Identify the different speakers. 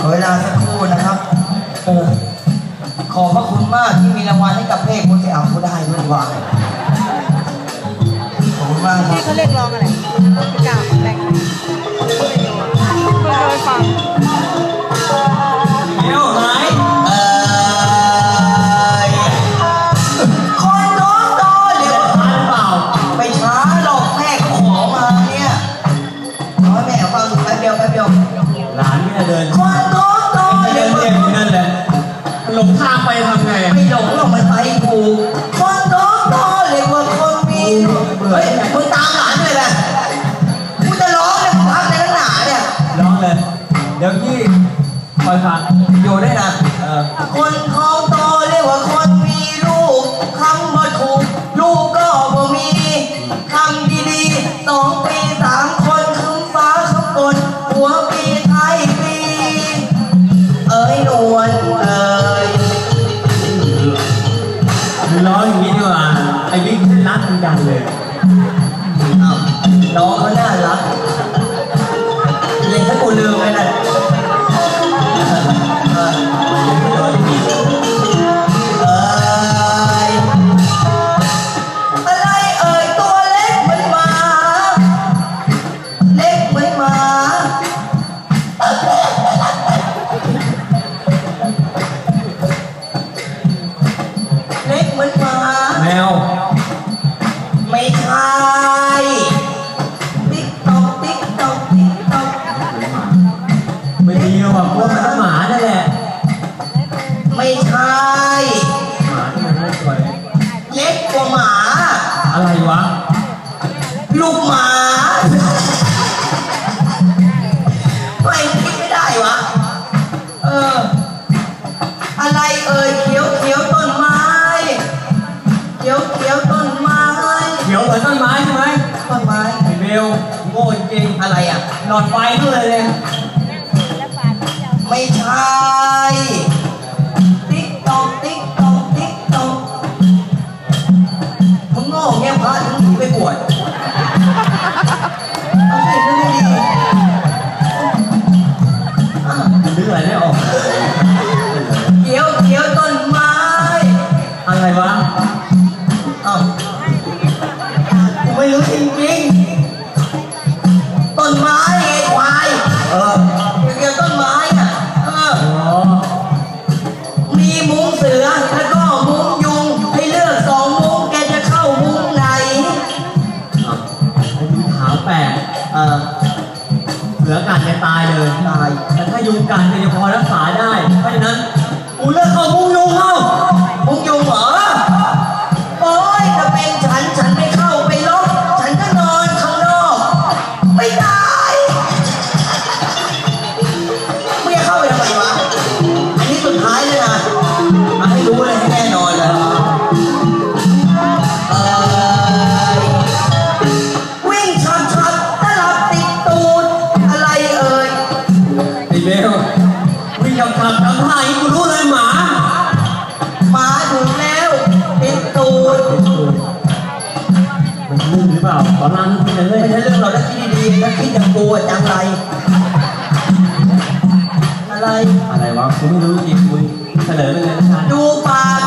Speaker 1: เวลาสักครู่นะครับขอบพระคุณมากที่มีรางวัลให้กับเพลงคนที่เอาเขาได้ด้วยว่าขอบคุณมากครับ
Speaker 2: ที่เขาเรียกร้องอะไรกล่าวแบ่งโดยฟัง
Speaker 3: เดี๋ยวไหน
Speaker 1: คนน้องโตเดี๋ยวทันเปล่าไปช้าหรอกแม่ขอมาเนี่ยขอให้แม่ฟังแป๊บเดียว
Speaker 3: หลานเนี่ยเดิน
Speaker 1: คนน้องโต
Speaker 3: เดินเรียนอยู่นั่นแหละหลงทางไปทำไง
Speaker 1: ไม่หลงหรอกมันไปถูกคนน้องโตเรียกว่าคนมีเฮ้ยมึงตามหลานเลยแหละกูจะร้องเนี่ยมึงพักในหนาเนี่ย
Speaker 3: ร้องเลยเดี๋ยวพี่คอยฟัง
Speaker 1: อยู่ได้นะคนเขาโตเรียกว่าคนมีลูกคำว่าถูกลูกก็บ่มีคำดีๆ2 ปี 3 คนคำฟ้าคำฝนหัวปีไทยปีเอ้ยนวลเอ้ย
Speaker 3: ร้องอย่างนี้ดีกว่าไอ้บิ๊กรักเหมือนกันเลย
Speaker 1: น้องเขาน่ารักเรียนถ้ากูลืมเลยนะอะไรเอ่ยตัวเล็กเหมือนหมาเล็กเหมือนหมาเล็กเหมือนหมา
Speaker 3: แมว
Speaker 1: ไม่ใช่ติ๊กต๊อกติ๊กต๊อกติ๊กต๊อก
Speaker 3: ไม่ดีหรอกพวกมันหมานั่นแหละ
Speaker 1: ไม่ใช่
Speaker 3: หมาที่มันไม่สวย
Speaker 1: เล็กกว่าหมา
Speaker 3: อะไรวะ
Speaker 1: ลูกหมาไม่คิดไม่ได้วะอะไรเอ่ยเขียวเขียวต้นไม้เขียวเขียวต้นไม้
Speaker 3: เขียวเหมือนต้นไม้ใช่ไหม
Speaker 1: ต้นไม้
Speaker 3: ไอ้เบลโง่จริง
Speaker 1: อะไรอ่ะ
Speaker 3: หลอดไฟด้วยเลย
Speaker 1: ไม่ใช่ติ๊กต๊อกติ๊กต๊อกติ๊กต๊อกมึงโง่เงี้ยพระถึงหนีไปบวชเอาสินึกให้ดี
Speaker 3: นึกอะไรไม่ออก
Speaker 1: เขียวเขียวต้นไม้
Speaker 3: อะไรวะ
Speaker 1: อ้าวกูไม่รู้จริงๆต้นไม้ไอ้ควายเกี่ยวต้นไม้อ่ะมีมุ้งเสือแล้วก็มุ้งยุงให้เลือก2 มุ้งแกจะเข้ามุ้งไหน
Speaker 3: ถามแปลกเสือกัดจะตายเลยแต่ถ้ายุงกัดเนี่ยพอรักษาได้เพราะฉะนั้นกูเลือกเข้ามุ้งยุงเข้า
Speaker 1: มุ้งยุงเหรอโอ้ยถ้าเป็นฉันไม่เข้าไปลบฉันก็นอนข้างนอกไม่ได้ไม่เข้าไปทำไมวะอันนี้สุดท้ายเลยนะมาให้รู้เลยให้แน่นอนเลยวิ่งช็อตตลับติดตูดอะไรเอ่ย
Speaker 3: ไอ้เบลวิ่งทำท่าอย่างนี้กูรู้เลยหมา
Speaker 1: ถึงแล้วติดตูด
Speaker 3: มันเรื่องหรือเปล่าตอนนั้นไม่ใช่เรื่อง
Speaker 1: เราแล้วคิดดีๆแล้วคิดอย่างกูจังไรอะไร
Speaker 3: วะกูไม่รู้จริงมึงเฉลยไปเลยนะ
Speaker 1: ดูปาก